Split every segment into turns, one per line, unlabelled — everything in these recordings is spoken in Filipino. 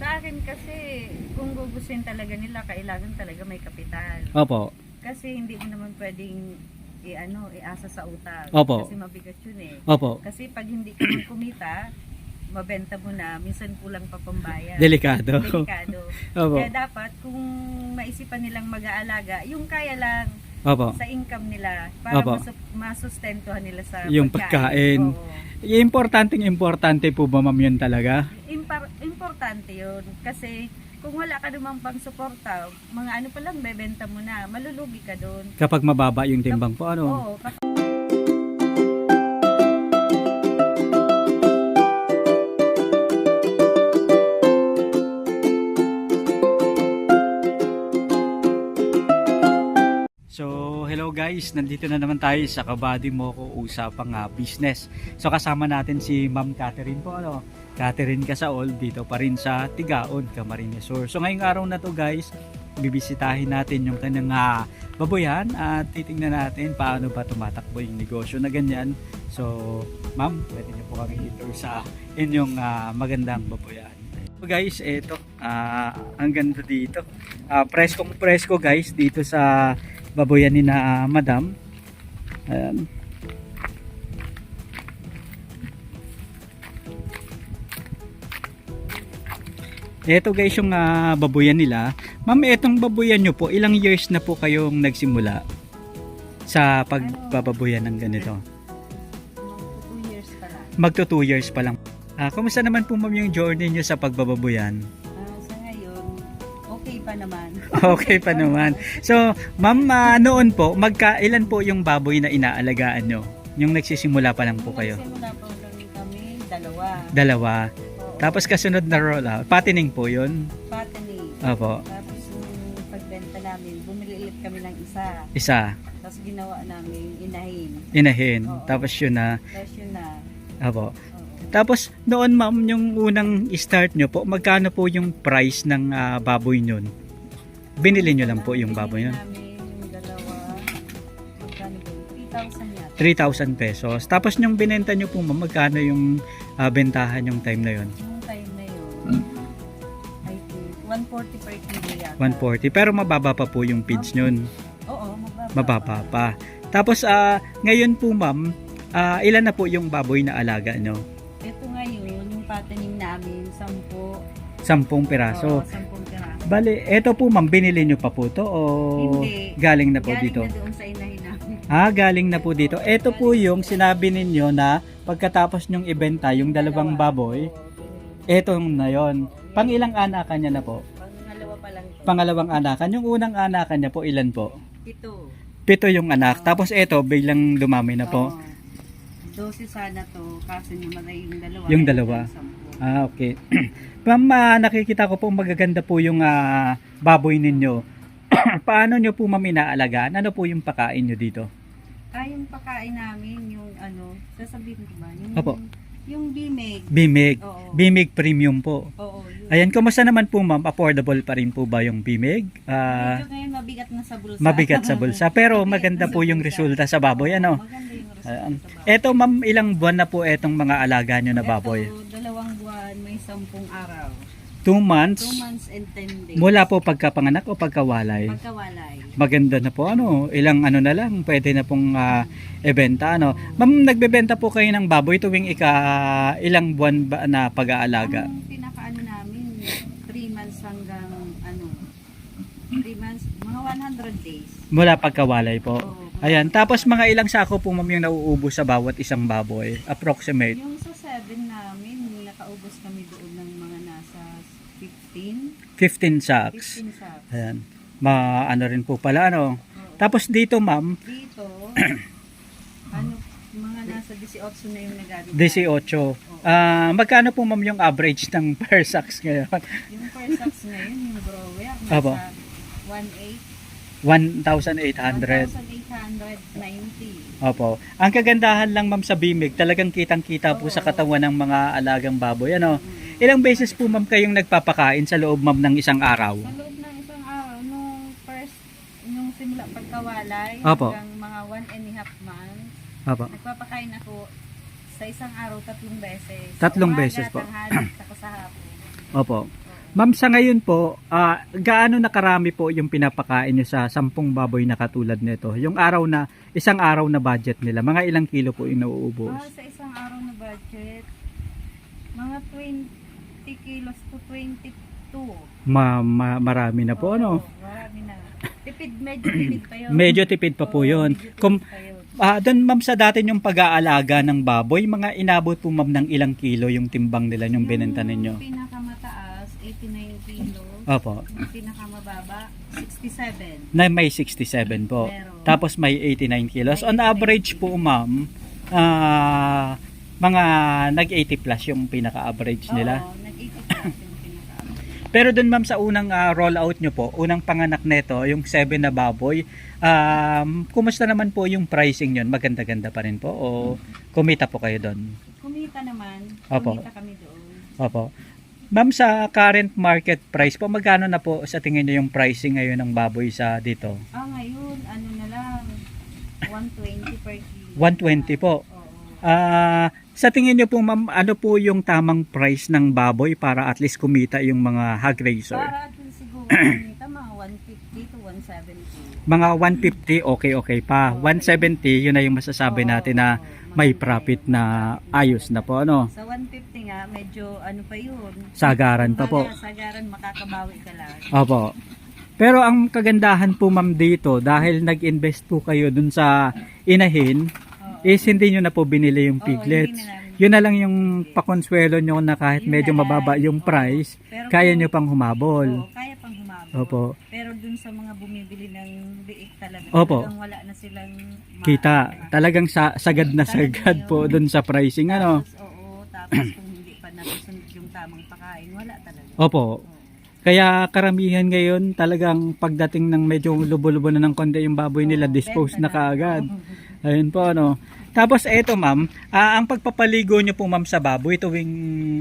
Sa akin kasi, kung gugustuhin talaga nila, kailangan talaga may kapital.
Opo.
Kasi hindi mo naman pwedeng iasa sa utang.
Opo.
Kasi mabigat yun eh.
Opo.
Kasi pag hindi ka man kumita, mabenta mo na, minsan kulang pa pambayad.
Delikado.
Delikado.
Opo.
Kaya dapat, kung maisipan nilang mag-aalaga, yung kaya lang
Opo.
sa income nila, para
Opo.
masustentuhan nila sa
Yung pagkain. Importante po ba ma'am yun talaga?
Importante yun. Kasi kung wala ka namang pang suporta, mga ano pa lang, bebenta mo na, malulugi ka doon.
Kapag mababa yung timbang po, ano?
Oo,
So, hello guys, nandito na naman tayo sa Kabady Moko Usapang Business. So, kasama natin si Ma'am Catherine po, ano? Catherine Casaol, dito pa rin sa Tigaon, Camarines Sur. So, ngayong araw na to guys, bibisitahin natin yung kanyang baboyan at titingnan natin paano ba tumatakbo yung negosyo na ganyan. So, Ma'am, pwede niyo po kami ito sa inyong magandang baboyan. So guys, eto, ang ganda dito. Presko guys dito sa baboyan ni na Madam. Ayan. Ito guys yung baboyan nila. Ma'am, etong baboyan nyo po, ilang years na po kayong nagsimula sa pagbababoyan ng ganito?
2 years pa lang.
Magto 2 years pa lang. Kumusta naman po ma'am yung journey nyo sa pagbababoyan?
Sa ngayon, okay pa naman.
Okay pa naman. So, ma'am, noon po, ilan po yung baboy na inaalagaan nyo? Yung nagsisimula pa lang po kayo?
Nagsimula po lang kami, dalawa.
Dalawa.
Oo.
Tapos kasunod na roll out. Patining po yun?
Fattening.
Opo.
Tapos yung pagbenta namin, bumili ulit kami ng isa.
Isa.
Tapos ginawa namin inahin.
Inahin.
Oo.
Tapos yun na.
Tapos yun na.
Opo.
Oo.
Tapos noon ma'am, yung unang start nyo po, magkano po yung price ng baboy nyon? Binili nyo lang po yung baboy
Binili
nyon?
namin yung dalawa. Magkano ba? 3,000 yata.
3,000 pesos. Tapos yung binenta nyo po ma'am, magkano yung bentahan yung time na yun?
Yung time na yun, I think, 140 per kilo yata.
140. Pero mababa pa po yung feeds nyon.
Oo,
Mababa pa. Tapos ngayon po ma'am, ilan na po yung baboy na alaga nyo?
Ito ngayon, yung fattening namin, 10.
10 piraso.
Oo, 10 piraso.
Bale, eto po ma'am, binili nyo pa po to o
Hindi.
galing na po
Galing
dito?
na doon sa inahin namin.
Galing na po dito. Ito po yung sinabi ninyo na pagkatapos nyong ibenta yung dalawang baboy, eto na yon. Pang ilang anakan niya na po?
Pangalawa pa lang ito.
Pangalawang anakan. Yung unang anakan niya po, ilan po?
7.
7 yung anak. Tapos eto, biglang dumami na po.
Oo. 12 sana to, kaso namatay yung dalawa.
Yung dalawa. Okay. Ma'am, nakikita ko po magaganda po yung baboy ninyo. Paano nyo po ma'am inaalagaan? Ano po yung pakain nyo dito?
Yung pakain namin, yung sasabihin ko ba? Yung,
Opo.
Yung bimeg.
Bimig.
Oo.
Bimig premium po.
Oo, yun.
Ayan, kumusta naman po ma'am? Affordable pa rin po ba yung bimig?
Medyo ngayon mabigat na sa bulsa.
Mabigat sa bulsa. Pero
Mabigat
maganda
na
po
sa
yung
bulsa.
resulta sa baboy. Ano?
Maganda yung resulta
Ayan.
sa baboy.
Eto ma'am, ilang buwan na po etong mga alaga nyo na baboy?
Ito, 2 buwan, may 10 araw.
2 months?
2 months and 10 days.
Mula po pagkapanganak o pagkawalay?
Pagkawalay.
Maganda na po, ano, ilang ano na lang, pwede na pong ibenta, ano. Ma'am, nagbebenta po kayo ng baboy tuwing ilang buwan ba na pag-aalaga?
Ang pinakaano namin, 3 months hanggang 3 months, mga 100 days.
Mula pagkawalay po.
Oo.
Ayan, tapos mga ilang sako po ma'am yung nauubos sa bawat isang baboy? Approximate?
Yung sa 7 namin, nakaubos kami doon ng mga nasa 15.
15 sacks.
15 sacks.
Ayan. Ano rin po pala, ano.
Oo.
Tapos dito ma'am,
Dito, mga nasa 18 na yung nagagawa.
18. Magkano po ma'am yung average ng per sacks ngayon?
Yung per sacks ngayon, yung grower,
Apo.
nasa 1,800.
1,800.
1,890.
Opo. Ang kagandahan lang ma'am sa bimig, talagang kitang-kita po sa katawan ng mga alagang baboy. Ano? Ilang beses po ma'am kayong nagpapakain sa loob ma'am ng isang araw?
Sa loob ng isang araw, nung simula pagkawalay,
Opo.
hanggang mga 1.5 months,
Opo.
nagpapakain ako sa isang araw 3 beses.
3 beses po.
Tanghali, saka sa hapon.
Opo. Ma'am, sa ngayon po, gaano na karami po yung pinapakain nyo sa 10 baboy na katulad nito? Yung araw na, isang araw na budget nila, mga ilang kilo po inuubos?
Sa isang araw na budget, mga 20 kilos to 22.
Marami na po, ano?
Marami na. Tipid, medyo tipid pa yun.
Medyo tipid pa po yun.
Medyo tipid
Kung,
pa yun.
doon ma'am sa dati yung pag-aalaga ng baboy, mga inabot po ma'am ng ilang kilo yung timbang nila yung binenta ninyo?
Yung pinakamataas, 89 kilos.
Opo.
Yung pinakamababa, 67.
Na may 67 po.
Meron.
Tapos may 89 kilos.
May
On
89
average po ma'am, mga nag-80 plus yung pinaka-average nila.
Oo, nag-80 plus yung pinaka.
Pero dun ma'am sa unang rollout nyo po, unang panganak nito, yung 7 na baboy, kumusta naman po yung pricing yun? Maganda-ganda pa rin po o kumita po kayo doon?
Kumita naman.
Opo.
Kumita kami doon.
Opo. Ma'am, sa current market price po, magkano na po sa tingin nyo yung pricing ngayon ng baboy sa dito?
Ngayon, ano na lang, 120 per kilo.
120 po.
Oo.
Sa tingin nyo po ma'am, ano po yung tamang price ng baboy para at least kumita yung mga hog raiser?
Para at least siguro kumita mga 150 to 170.
Mga 150, okay pa. 170, yun na yung masasabi natin na may profit na ayos na po, ano?
Sa 150 nga, medyo ano pa yun.
Sagaran pa po.
Sagaran, makakabawi ka lang.
Opo. Pero ang kagandahan po ma'am dito, dahil nag-invest po kayo dun sa inahin, is hindi nyo na po binili yung piglets.
Hindi na namin.
Yun na lang yung pakonsuelo nyo na kahit
Yun
medyo
na lang.
mababa yung price,
Pero
kaya
kung-
nyo pang humabol.
Oo, kaya pang humabol.
Opo.
Pero dun sa mga bumibili ng biik talaga,
Opo.
talagang wala na silang
Kita, talagang sagad na sagad po dun sa pricing, ano?
Tapos, oo, tapos kung hindi pa nasusunod yung tamang pakain, wala talaga.
Opo.
Oo.
Kaya karamihan ngayon talagang pagdating ng medyo lubo-lubo na ng konti yung baboy nila,
Oo,
dispose
benta
na kaagad.
Oo.
Ayun po, ano. Tapos eto ma'am, ang pagpapaligo nyo po ma'am sa baboy tuwing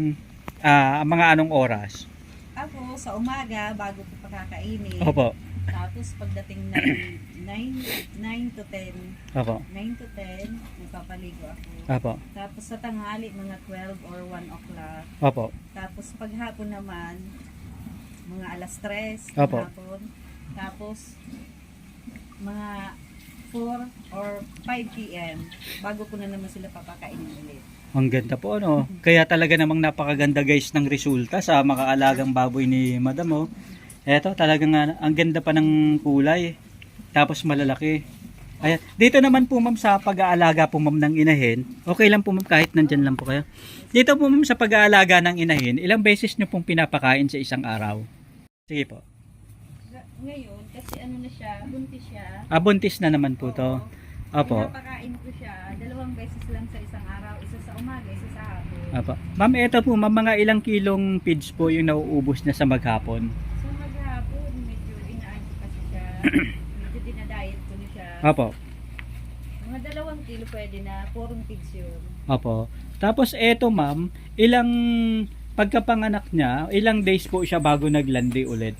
mga anong oras?
Ako, sa umaga, bago ko pakakainin.
Opo.
Tapos pagdating ng 9 to 10,
Opo.
9 to 10, nagpapaligo ako.
Opo.
Tapos sa tanghali, mga 12 or 1 o'clock.
Opo.
Tapos paghapon naman, mga alas 3
Opo.
hapon. Tapos mga 4 or 5 p.m. bago ko na naman sila papakainin ulit.
Ang ganda po, ano. Kaya talaga namang napakaganda guys ng resulta sa makaalagang baboy ni Madam, oh. Eto, talagang ang ganda pa ng kulay. Tapos malalaki. Ayan. Dito naman po ma'am sa pag-aalaga po ma'am ng inahin. Okay lang po ma'am kahit nandyan lang po kayo. Dito po ma'am sa pag-aalaga ng inahin, ilang beses nyo pong pinapakain sa isang araw? Sige po.
Ngayon, kasi ano na siya, buntis siya.
Buntis na naman po to. Opo.
Pinapakain ko siya 2 beses lang sa isang araw. Isa sa umaga, isa sa hapon.
Opo. Ma'am, eto po ma'am, mga ilang kilong feeds po yung nauubos na sa maghapon?
So maghapon, medyo inaan ko kasi siya. Medyo dinadiet ko na siya.
Opo.
Mga 2 kilo pwede na, 4 pigs yun.
Opo. Tapos eto ma'am, ilang pagkapanganak niya, ilang days po siya bago naglandi ulit?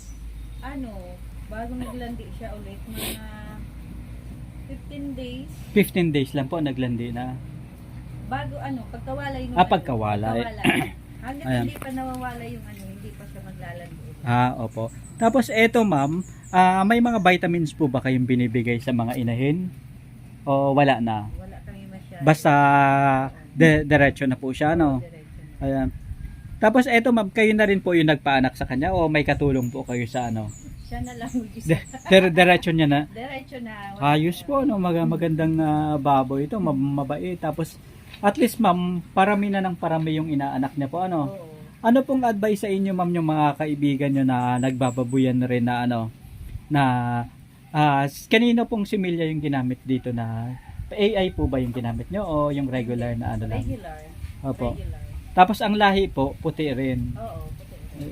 Bago naglandi siya ulit, mga 15 days.
15 days lang po naglandi na.
Bago pagkawalay nung
Pagkawalay.
Hanggang
Ayan.
hindi pa nawawala yung hindi pa siya maglalandi ulit.
Opo. Tapos eto ma'am, may mga vitamins po ba kayong binibigay sa mga inahin? O wala na?
Wala kami masyado.
Basta diretso na po siya, no?
Diretso na.
Ayan. Tapos eto ma'am, kayo na rin po yung nagpaanak sa kanya o may katulong po kayo sa ano?
Siya na lang mag-isa.
Diretso niya na?
Diretso na.
Ayos po, no? Magandang baboy ito, mabait. Tapos at least ma'am, parami na ng parami yung inaanak niya po, ano?
Oo.
Ano pong advice sa inyo ma'am yung mga kaibigan nyo na nagbababuyan na rin na ano, na kanino pong similya yung ginamit dito na AI po ba yung ginamit nyo o yung regular na ano lang?
Regular.
Opo.
Regular.
Tapos ang lahi po, puti rin.
Oo, puti.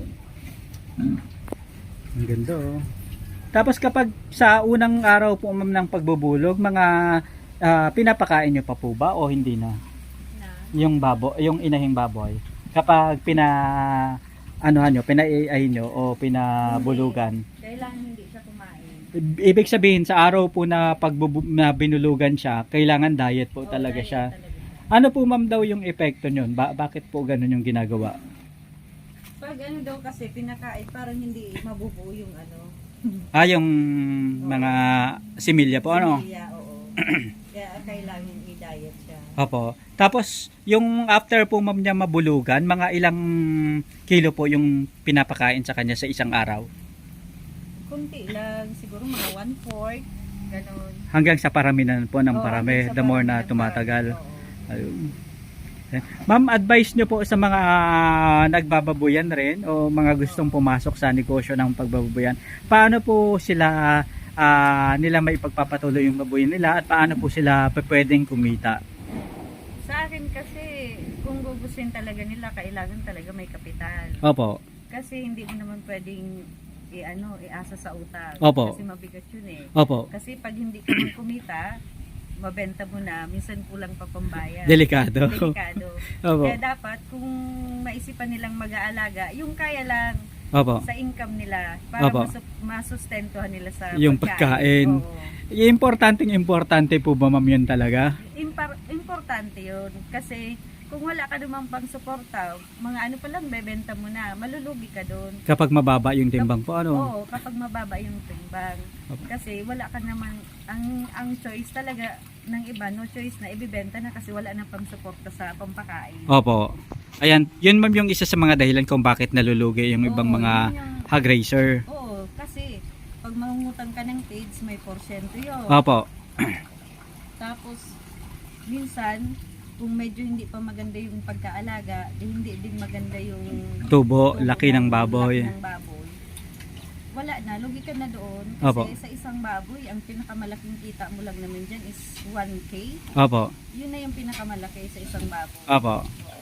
Ang ganda, oh. Tapos kapag sa unang araw po ma'am ng pagbubulog, mga pinapakain nyo pa po ba o hindi na? Yung yung inahing baboy. Kapag pina-AI nyo o pinabulugan.
Kailangan hindi siya kumain.
Ibig sabihin sa araw po na na binulugan siya, kailangan diet po talaga
diet
siya.
talaga.
Ano po ma'am daw yung epekto nyon? Bakit po ganun yung ginagawa?
Pag ano daw kasi pinakain, parang hindi mabubuo yung ano.
Yung mga similya po, ano?
Similya, oo. Kaya kailangan i-diet siya.
Opo. Tapos, yung after po ma'am niya mabulugan, mga ilang kilo po yung pinapakain sa kanya sa isang araw?
Kunti lang, siguro mga 1/4, ganun.
Hanggang sa paraminan po ng
Oo,
parami,
hanggang sa
the more
parami
na
ng
tumatagal.
parami, oo.
Ayun. Ma'am, advice nyo po sa mga nagbababuyan rin o mga gustong pumasok sa negosyo ng pagbababuyan. Paano po sila nila may pagpapatuloy yung babuyan nila at paano po sila pwedeng kumita?
Sa akin kasi, kung gugustuhin talaga nila, kailangan talaga may kapital.
Opo.
Kasi hindi mo naman pwedeng iasa sa utang.
Opo.
Kasi mabigat yun eh.
Opo.
Kasi pag hindi ka man kumita, mabenta mo na, minsan kulang pa pambayad.
Delikado.
Delikado.
Opo.
Kaya dapat, kung maisipan nilang mag-aalaga, yung kaya lang
Opo.
sa income nila, para
Opo.
masustentuhan nila sa
Yung pagkain.
Oo.
Importante po ba ma'am yun talaga?
Importante yun. Kasi kung wala ka namang pang suporta, mga ano pa lang, bebenta mo na, malulugi ka doon.
Kapag mababa yung timbang po, ano?
Oo, kapag mababa yung timbang. Kasi wala ka naman, ang choice talaga ng iba, no choice na ibibenta na kasi wala na pang suporta sa pampakain.
Opo. Ayan, yun ma'am yung isa sa mga dahilan kung bakit nalulugi yung ibang
Oo,
mga
yun yung-
hog raiser.
Oo, kasi pag mangungutang ka ng page, may porsyento yun.
Opo.
Tapos, minsan, kung medyo hindi pa maganda yung pagkaalaga, hindi din maganda yung
Tubo, laki ng baboy.
laki ng baboy. Wala na, lugi ka na doon. Kasi
Opo.
sa isang baboy, ang pinakamalaking kita mo lang naman dyan is 1K.
Opo.
Yun na yung pinakamalaki sa isang baboy.
Opo.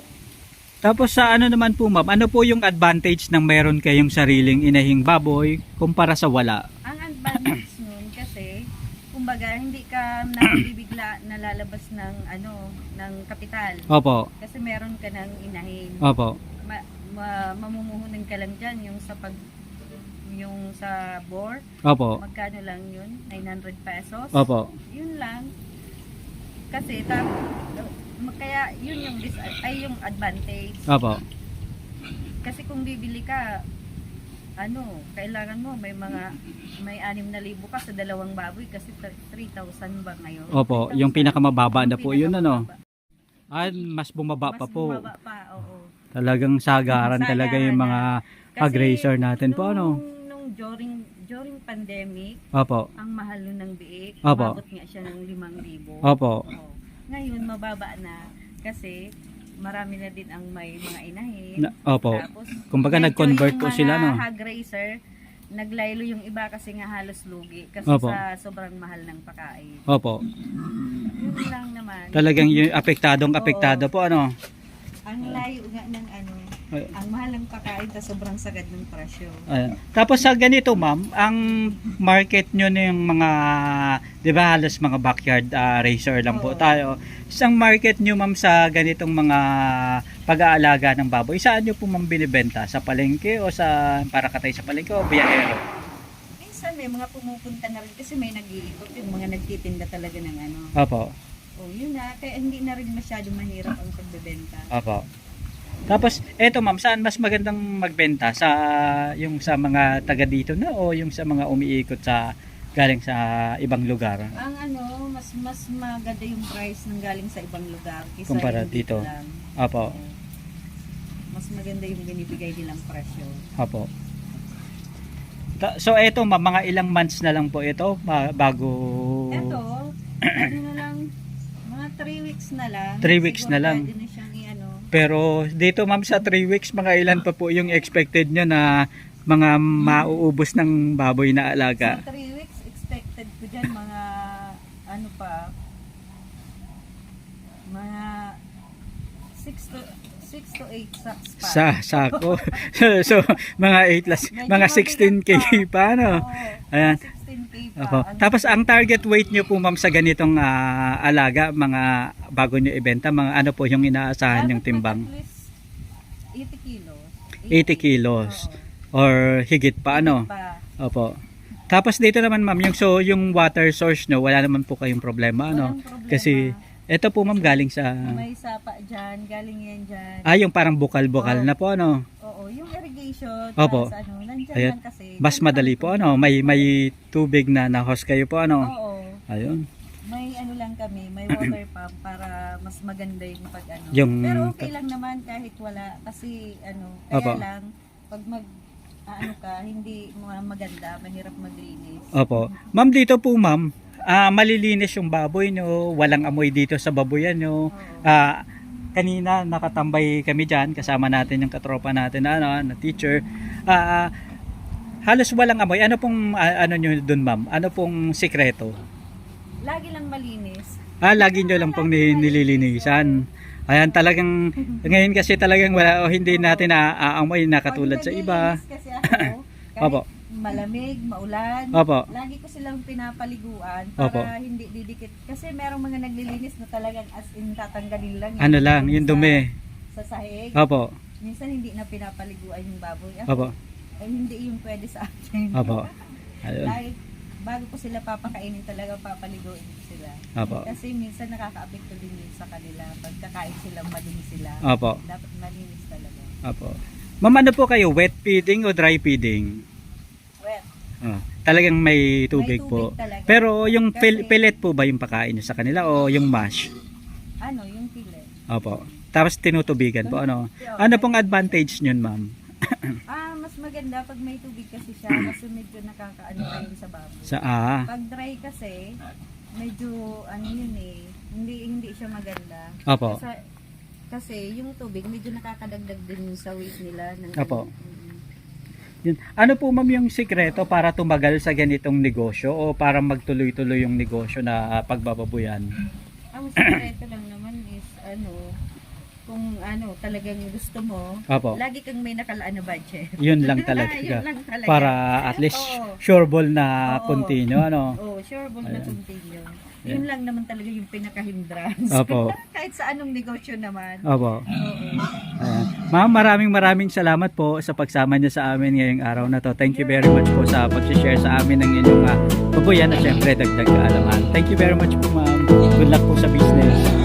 Tapos sa ano naman po ma'am, ano po yung advantage ng meron kayong sariling inahing baboy kumpara sa wala?
Ang advantage nun kasi, kumbaga, hindi ka nakabibigla na lalabas ng ng kapital.
Opo.
Kasi meron ka ng inahin.
Opo.
Mamumuhunan ka lang dyan yung sa bore.
Opo.
Magkano lang yun? 900 pesos.
Opo.
Yun lang. Kasi kaya yun yung advantage.
Opo.
Kasi kung bibili ka, kailangan mo may 6,000 ka sa dalawang baboy kasi 3,000 ba ngayon?
Opo,
3,000.
yung pinakamababa na
Yung
po yun ano.
pinakamababa.
Mas bumaba pa
Mas
po.
bumaba pa, oo.
Talagang sagaran talaga yung mga hog
Kasi
raiser natin po ano.
Nung during pandemic,
Opo.
ang mahal nun ng biik,
Opo.
umabot nga siya ng 5,000.
Opo.
Oo. Ngayon, mababa na kasi marami na din ang may mga inahin.
Opo.
Tapos,
Kumbaga
medyo
nag-convert
yung
po sila no.
mga hog raiser, naglaylo yung iba kasi nga halos lugi kasi
Opo.
sa sobrang mahal ng pagkain.
Opo.
Yun lang naman.
Talagang yung apektado po ano.
Ang layo nga ng ang mahal ng pagkain ta sobrang sagad ng presyo.
Ayan. Tapos sa ganito ma'am, ang market nyo na yung mga, di ba halos mga backyard racer lang po
Oo.
tayo. Isang market nyo ma'am sa ganitong mga pag-aalaga ng baboy, saan nyo po ma'am binibenta? Sa palengke o sa parakatay sa palengke o biyahero?
Minsan may mga pumupunta na rin kasi may nag-iikot yung mga nagtitinda talaga ng
Opo.
Oh, yun na. Kaya hindi na rin masyado mahirap ang pagbebenta.
Opo. Tapos eto ma'am, saan mas magandang magbenta? Yung sa mga taga dito na o yung sa mga umiikot galing sa ibang lugar?
Ang mas maganda yung price ng galing sa ibang lugar kaysa
Kumpara
yung
dito.
lang.
Opo.
Oo. Mas maganda yung binibigay nilang presyo.
Opo. So eto ma'am, mga ilang months na lang po ito bago
Eto, na lang, mga 3 weeks na lang.
3 weeks na lang.
Pwede na siyang
Pero dito ma'am sa 3 weeks, mga ilan pa po yung expected nyo na mga mauubos ng baboy na alaga?
Sa 3 weeks, expected ko dyan mga mga 6 to 8 sacks pa.
Sa sako. so mga 8 plus, mga 16 kg pa no.
Oo,
Ayan.
16K pa.
Opo. Tapos ang target weight nyo po ma'am sa ganitong alaga, mga bago nyo ibenta, mga ano po yung inaasahan yung timbang?
At least 80 kilos.
80 kilos.
Oo.
Or higit pa ano?
Pa.
Opo. Tapos dito naman ma'am, yung water source nyo, wala naman po kayong problema ano?
Walang problema.
Kasi ito po ma'am galing sa
May sapa dyan, galing yan dyan.
yung parang bukal-bukal na po ano?
Oo, yung irrigation,
Opo.
para sa ano, nandyan
Ayan.
lang kasi.
Mas madali po ano, may tubig na na-host kayo po ano.
Oo.
Ayun.
May ano lang kami, may water pump para mas maganda yung pag ano.
Yung-
Pero okay lang naman kahit wala kasi ano, kaya
Opo.
lang pag ano ka, hindi maganda, mahirap maglinis.
Opo. Ma'am, dito po ma'am, malilinis yung baboy nyo, walang amoy dito sa baboyan nyo.
Oo.
Kanina nakatambay kami dyan, kasama natin yung katropa natin na, na teacher. Halos walang amoy. Ano pong ano nyo dun ma'am? Ano pong sikreto?
Lagi lang malinis.
Lagi nyo lang pong nililinisan. Ayan, talagang ngayon kasi talagang wala o hindi natin naaamoy na katulad
Pag
sa iba.
naglilinis kasi ako, kahit
Opo.
malamig, maulan,
Opo.
lagi ko silang pinapaliguan
Opo.
para hindi didikit. Kasi merong mga naglilinis na talagang as in tatanggalin lang.
Ano lang, yung dumi.
Sa sahig.
Opo.
Minsan hindi na pinapaliguan yung baboy.
Opo.
Ay hindi yung pwede sa akin.
Opo. Ayun.
Dahil bago ko sila papakainin talaga papaliguin ko sila.
Opo.
Kasi minsan nakaka-apekto din yun sa kanila. Pagkakain silang malinis sila.
Opo.
Dapat malinis talaga.
Opo. Ma'am, ano po kayo? Wet feeding o dry feeding?
Wet.
Talagang may tubig,
May
po.
tubig talaga.
Pero yung
Kasi-
pellet po ba yung pakain nyo sa kanila o yung mash?
Ano, yung pilet.
Opo. Tapos tinutubigan po. Ano Ano pong advantage nyon, ma'am?
Mas maganda pag may tubig kasi siya kasi medyo nakakaano pa yun sa baboy.
Sa
Pag dry kasi, medyo ano yun eh, hindi siya maganda.
Opo.
Kasi yung tubig medyo nakakadagdag din sa weight nila.
Opo. Yun. Ano po ma'am yung sikreto para tumagal sa ganitong negosyo o para magtuloy-tuloy yung negosyo na pagbababuyan?
Ang sikreto lang naman is kung talagang gusto mo,
Opo.
lagi kang may nakalaan na budget.
Yun lang talaga.
Yun lang talaga.
Para at least
Oo.
sure ball na
Oo.
continue. Ano?
Oh, sure ball na
Ayan.
continue. Yun lang naman talaga yung pinaka-hindrance.
Opo.
Kahit sa anong negosyo naman.
Opo.
Oo.
Ayan. Ma'am, maraming salamat po sa pagsama niyo sa amin ngayong araw na to. Thank you very much po sa pag-share sa amin ng inyong babuyan at syempre dagdag kaalaman. Thank you very much po ma'am. Good luck po sa business.